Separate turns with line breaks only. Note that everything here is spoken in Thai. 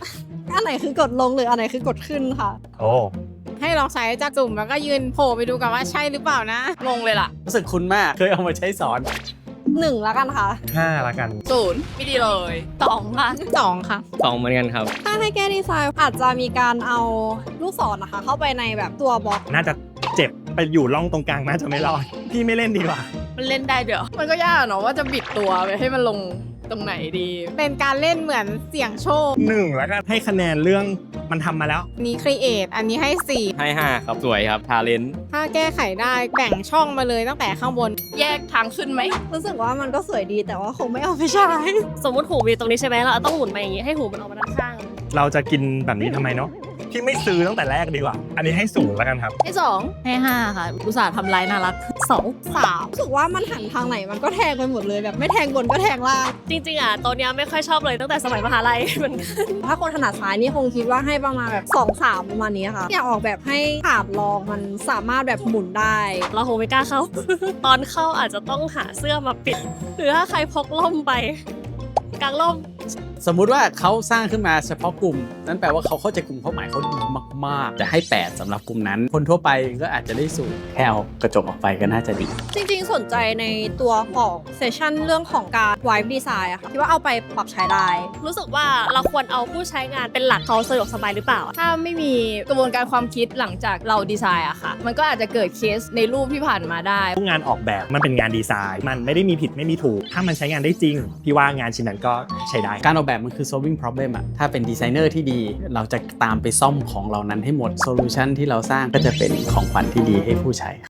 อันไหนคือกดลงหรืออันไหนคือกดขึ้นค่ะ
โอ้
ให้ลองใช้จากจุ่มแล้วก็ยืนโผล่ไปดูกันว่าใช่หรือเปล่านะงงเลยล่ะ
รู้สึกคุ้นมากเคยเอามาใช้สอน
1แล้วกันค่ะ
5ละกัน
0ไม่ดีเลย2ค่ะ2ค่ะ
2เหมือนกันครับ
ถ้าให้แก้ดีไซน์อาจจะมีการเอาลูกศรนะคะ เข้าไปในแบบตัวบล็อก
น่าจะเจ็บไปอยู่ร่องตรงกลางน่าจะไม่รอด พี่ไม่เล่นดีกว่า
มันเล่นได้เดี๋ยวมันก็ยากเนาะว่าจะบิดตัวไปให้มันลงตรงไหนดี เป็นการเล่นเหมือนเสี่ยงโชค
1แล้วกันให้คะแนนเรื่องมันทำมาแล้ว
นี้ครีเอทอันนี้ให้
ให้ 5 ครับ สวยครับ ทาเลน
4ถ้าแก้ไขได้แบ่งช่องมาเลยตั้งแต่ข้างบน แยกทางขึ้นไหม
รู้สึกว่ามันก็สวยดีแต่ว่าคงไม่เอาไปใช้
สมมติหูมีตรงนี้ใช่ไหมเราต้องหมุนมาอย่างนี้ให้หูมันออกมาด้านข้าง
เราจะกินแบบนี้ทำไมเนาะพี่ไม่ซื้อตั้งแต่แรกดีกว่า อันนี้ให้สูงแล้วกันครับ
ให้2ให้5ค่ะอุตส่าห์ทำลายน่ารัก
2 3รู้สึกว่ามันหันทางไหนมันก็แทงไปหมดเลยแบบไม่แทงบนก็แทงล่าง
จริงๆอ่ะตัวเนี้ยไม่ค่อยชอบเลยตั้งแต่สมัยมหาลัยเหมือนกัน
ถ้าคนถนัดซ้ายนี่คงคิดว่าให้ประมาณแบบ2 3ประมาณนี้ค่ะอยากออกแบบให้ถาดรองมันสามารถแบบหมุนได้
เราคงไม่กล้าเข้า ตอนเข้าอาจจะต้องหาเสื้อมาปิด หรือถ้าใครพกร่มไปกางร่ม
สมมุติว่าเขาสร้างขึ้นมาเฉพาะกลุ่ม นั่นแปลว่าเขาเข้าใจกลุ่มเป้าหมายเขาดีมากๆ จะให้ 8สำหรับกลุ่มนั้น คนทั่วไปก็อาจจะได้สูงแค่เอากระจกออกไปก็น่าจะดี
จริงๆสนใจในตัวของเซสชันเรื่องของการไวฟ์ดีไซน์อะค่ะคิดว่าเอาไปปรับใช้ได้
รู้สึกว่าเราควรเอาผู้ใช้งานเป็นหลักเขาสะดวกสบายหรือเปล่า
ถ้าไม่มีกระบวนการความคิดหลังจากเราดีไซน์อะค่ะ มันก็อาจจะเกิดเคสในรูปที่ผ่านมาได้
ทุกงานออกแบบมันเป็นงานดีไซน์ มันไม่ได้มีผิดไม่มีถูก ถ้ามันใช้งานได้จริง พี่ว่างานชิ้นนั้นก็ใช้ได้
การออกแบบมันคือ solving problem อะถ้าเป็นดีไซเนอร์ที่ดี เราจะตามไปซ่อมของเหล่านั้นให้หมด solution ที่เราสร้างก็จะเป็นของขวัญที่ดีให้ผู้ใช้